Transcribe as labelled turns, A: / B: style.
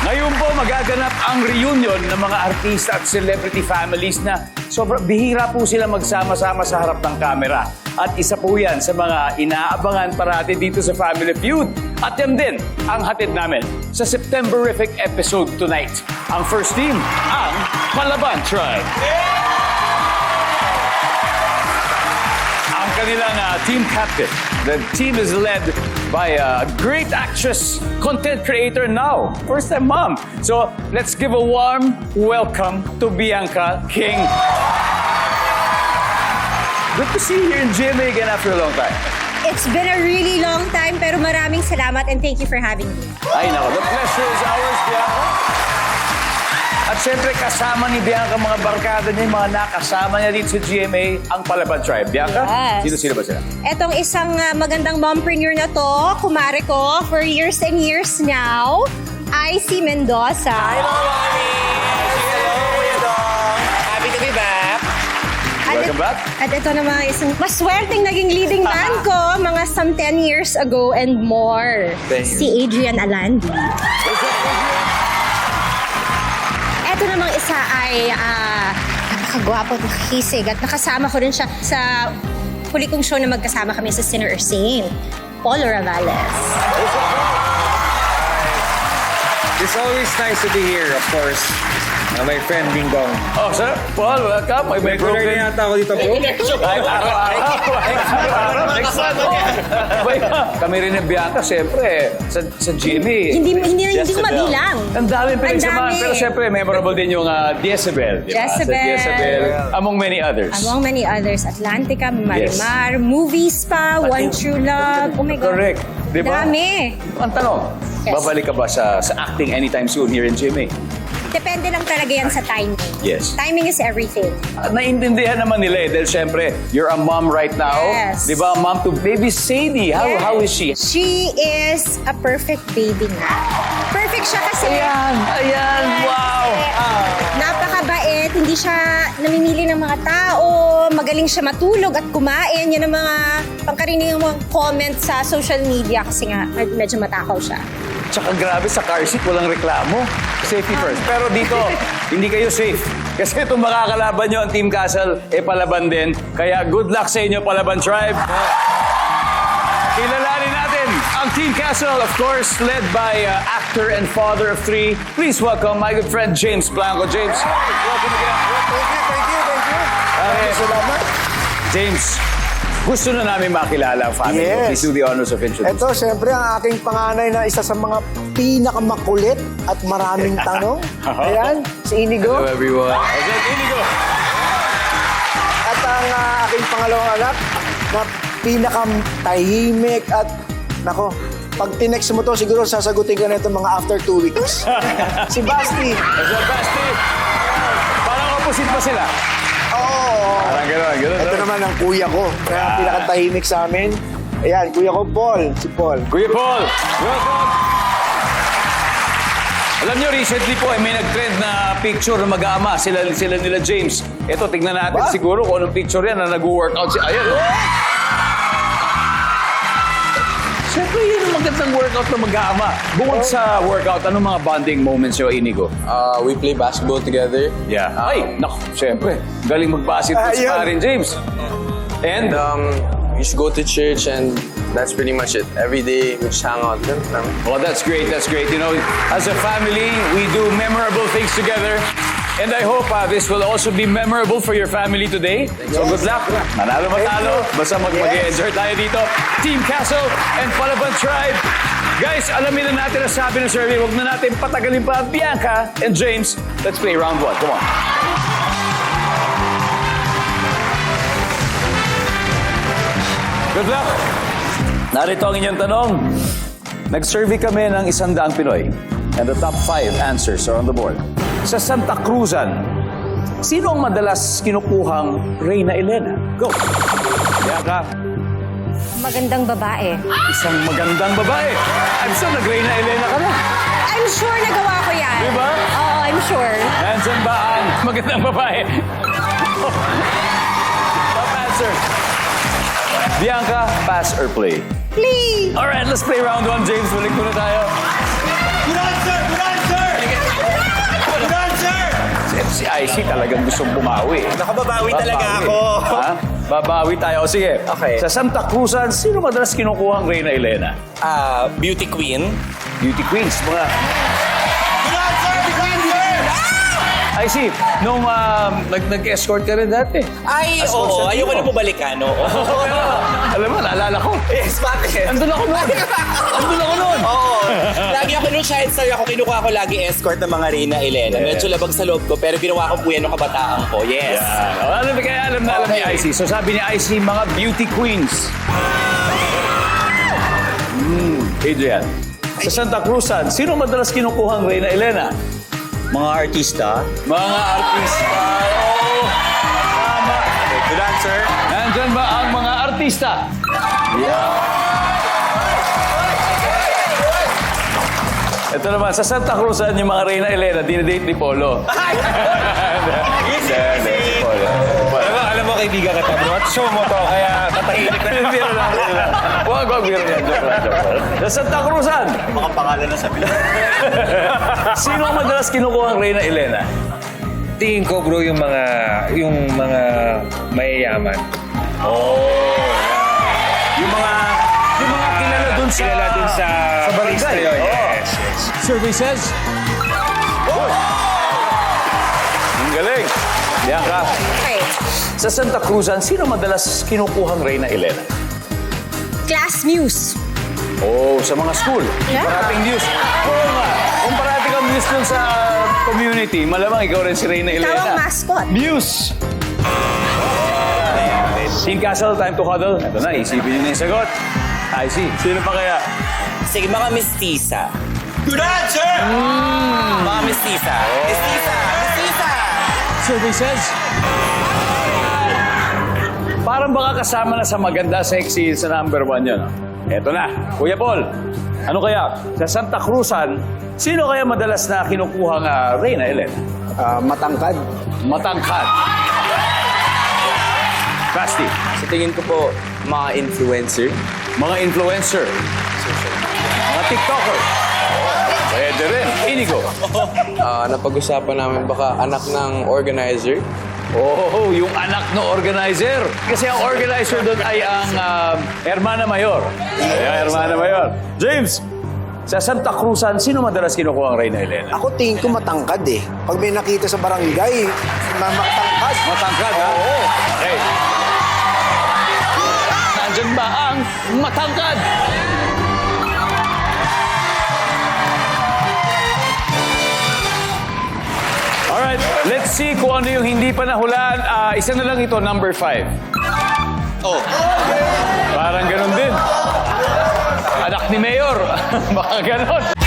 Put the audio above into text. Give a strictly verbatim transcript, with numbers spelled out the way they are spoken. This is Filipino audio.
A: Ngayon po magaganap ang reunion ng mga artista at celebrity families na sobrang bihira po sila magsama-sama sa harap ng kamera. At isa po yan sa mga inaabangan parati dito sa Family Feud. At yan din ang hatid namin sa Septemberific episode tonight. Ang first team, ang Palaban Tribe. Ang kanilang uh, team captain. The team is led by a great actress, content creator now. First time mom. So let's give a warm welcome to Bianca King. Good to see you here in G M A again after a long time.
B: It's been a really long time, pero maraming salamat and thank you for having me.
A: Ay nako, the pleasure is ours, Bianca. At syempre kasama ni Bianca mga barkada niya, yung mga nakasama niya dito sa G M A, ang Palaban Tribe. Bianca,
B: Yes.
A: sino-sino ba sila?
B: Etong isang uh, magandang mompreneur na to, kumare ko for years and years now, I C Mendoza.
C: Hi, mga mami! Hello, Kuya Dong! Happy to be back!
B: At,
A: Welcome back.
B: At ito naman isang maswerteng naging leading man ko mga some ten years ago and more.
C: Thank you.
B: Si Adrian Alandi. Ito namang isa ay uh, napakagwapo at nakakisig at nakasama ko rin siya sa huli kong show na magkasama kami sa Sinner or Saint, Paul Ravales.
C: It's always nice to be here, of course. Uh, my friend Ding Dong.
A: Oh, sir, Paul, welcome. May may
C: Regular
A: broken.
C: na yata ako dito po.
A: Ay, araw-araw. Araw-araw. Next month. Wait, kami rin ng Bianca, siyempre, sa, sa G M A.
B: Hindi, hindi, hindi ko
A: Jezebel.
B: mabilang.
A: Ang daming pinagsamahan.
B: dami.
A: Pero siyempre, memorable din yung uh, Jezebel. Di ba? Sa
B: Jezebel.
A: Jezebel, among many others.
B: Among many others, Atlantica, Marimar, Movies pa, One True Love. Oh my God.
A: Correct. Di ba?
B: Dami.
A: Ang tanong,
B: Yes.
A: babalik ka ba sa, sa acting anytime soon here in G M A?
B: Depende lang talaga yan sa timing.
A: Yes.
B: Timing is everything.
A: At naiintindihan naman nila eh, dahil syempre, you're a mom right now.
B: Yes.
A: Di ba? Mom to baby Sadie. How,
B: Yes.
A: how is she?
B: She is a perfect baby na. Perfect siya kasi.
A: Ayan, ayan, wow.
B: Napakabait, hindi siya namimili ng mga tao, magaling siya matulog at kumain. Yan ang mga pangkaraniwang mga comments sa social media kasi nga med- medyo matakaw siya.
A: Tsaka grabe sa car seat, walang reklamo. Safety first. Pero dito, hindi kayo safe. Kasi itong makakalaban nyo, ang Team Castle, eh palaban din. Kaya good luck sa inyo, Palaban Tribe. Kilalanin natin ang Team Castle, of course, led by uh, actor and father of three. Please welcome my good friend, James Blanco. James, welcome again.
C: Thank you, thank you, thank you.
A: Okay.
C: Salamat.
A: James, gusto na namin makilala ang family mo.
D: Yes.
A: Please do the honors of introducing.
D: Ito, siyempre, ang aking panganay na isa sa mga pinakamakulit at maraming tanong. Ayan, si Inigo.
A: Hello, everyone. How's it, Inigo?
D: At ang ah, aking pangalawang anak na pinakamtahimik at, nako, pag tinext mo to, siguro sasagutin ka na ito mga after two weeks. Si Basti.
A: How's it, Basti? Parang opposite pa sila.
D: Oo.
A: Parang gano'n, gano'n.
D: Ito naman ang kuya ko, na pinakatahimik sa amin. Ayan, kuya ko, Paul. Si Paul.
A: Kuya Paul, welcome! Alam niyo, recently po, eh, may nag-trend na picture na mag-aama, sila, sila nila James. Ito, tignan natin
D: Ba?
A: siguro kung anong picture yan na nag-workout si... Ayan, oh! Siyempre, yun ang magandang workout na mag-aama. Bukod sa workout, anong mga bonding moments nyo, Inigo?
E: Uh, we play basketball together.
A: Yeah. Ay, naku, siyempre. Galing mag-basketball si
D: Ayun.
A: Parin James. And,
E: And um, we used to go to church, and that's pretty much it. Every day, we just hang out. Ganun lang.
A: well, that's great, that's great. You know, as a family, we do memorable things together. And I hope uh, this will also be memorable for your family today. So good luck. Manalo matalo. Basta mag- mag-enjoy tayo dito. Team Castle and Palaban Tribe. Guys, alamin na natin ang sabi ng survey. Huwag na natin patagalin pa. Bianca and James, let's play round one. Come on. Good luck. Narito ang inyong tanong. Nag-survey kami ng isang daang Pinoy. And the top five answers are on the board. Sa Santa Cruzan, sino ang madalas kinukuhang Reyna Elena? Go! Bianca,
B: Magandang babae.
A: isang magandang babae. I'm sure nag-Reyna Elena ka na.
B: I'm sure nagawa ko yan.
A: Di ba?
B: Oo, I'm sure.
A: Nandyan ba ang magandang babae? Top answer. Bianca, pass or play?
B: Please.
A: Alright, let's play round one, James. Balik muna tayo.
C: Good answer, good answer!
A: I C talagang gustong bumawi.
F: Nakababawi talaga ako.
A: Ha? Babawi tayo. O sige,
F: Okay.
A: sa Santa Cruzan, sino madalas kinukuha ang Reyna Elena?
F: Ah, beauty queen.
A: Beauty queens, mga... I see. Nung um, nag- nag-escort ka rin dati.
F: Ay,
A: As
F: oo.
A: Constantino.
F: Ayoko na bumalikan, oo.
A: Alam mo, naalala ko.
F: Yes, bakit?
A: Andun ako noon. Andun ako noon.
F: Oo. Lagi ako nung Shine Star ako, kinukuha ko lagi escort ng mga Reyna Elena.
A: Yes.
F: Medyo labag sa loob ko, pero ginawa ko po yan nung kabataan ko. Yes.
A: Yan. O, alam mo, kaya alam na alam ni I C. So sabi ni I C, mga beauty queens. Hmm, Adrian. Sa Santa Cruzan, sino madalas kinukuha ang Reyna Elena?
G: Mga artista.
A: Mga artista. Oo. Tama.
F: Good answer.
A: Nandyan ba ang mga artista? Yeah. Ito naman, sa Santa Cruzan, yung mga Reyna Elena, dinidate ni Polo.
F: Easy,
A: Hindi,
F: easy.
A: si Polo.
C: Alam mo, alam mo kaibigan ka tayo. At show mo to, kaya tatahimik na.
A: Biro lang, biro lang. Huwag, huwag, biro lang. Joke lang, joke lang. Sa Santa Cruzan,
G: Mga pangalan na sabi.
A: sino ang madalas kinukuha ang Reyna Elena?
C: Tingin ko bro yung mga, yung mga mayayaman.
A: Yung mga, yung mga kilala dun sa...
C: Kilala dun sa...
A: Sa barangay.
C: place na yun.
A: Oo.
C: Yes, yes.
A: Survey says... Ang galing. Bianca,
B: Okay.
A: sa Santa Cruzan, sino madalas kinukuha ang Reyna Elena?
B: Class Muse.
A: Oh, sa mga school.
B: Yeah.
A: Parating news. Oo nga. Kung parating kang news dun sa community, malamang ikaw rin si Reyna Elena.
B: Tawang mascot.
A: Muse! Team Castle, time to huddle. Ito na, isipin nyo na yung sagot. I see. Sino pa kaya?
F: Sige, mga mistisa. Good answer! Mga mistisa. Mistisa! Mistisa!
A: Survey says... Parang baka kasama na sa maganda, sexy, sa number one yun. Eto na, Kuya Paul. Ano kaya? Sa Santa Cruzan, sino kaya madalas na kinukuha nga Reyna Elena?
D: Ah, matangkad.
A: Matangkad. Basti.
E: Sa tingin ko po, mga influencer.
A: Mga influencer. Mga TikToker. Pwede rin. Inigo.
E: Ah, napag-usapan namin baka anak ng organizer.
A: Oh, yung anak ng organizer. Kasi ang organizer doon ay ang um, Hermana Mayor. Ayan, Hermana Mayor. James, sa Santa Cruzan, sino madalas kinukuha ang Reyna Elena?
D: Ako tingin ko matangkad eh. Pag may nakita sa barangay, na matangkad.
A: Matangkad, ha? Oo. Okay. Nandyan ba ang matangkad? Alright, let's see kung ano yung hindi pa nahulaan. Ah, isa na lang ito, number five.
F: Oh.
A: Parang ganun din. Anak ni Mayor. Baka ganun.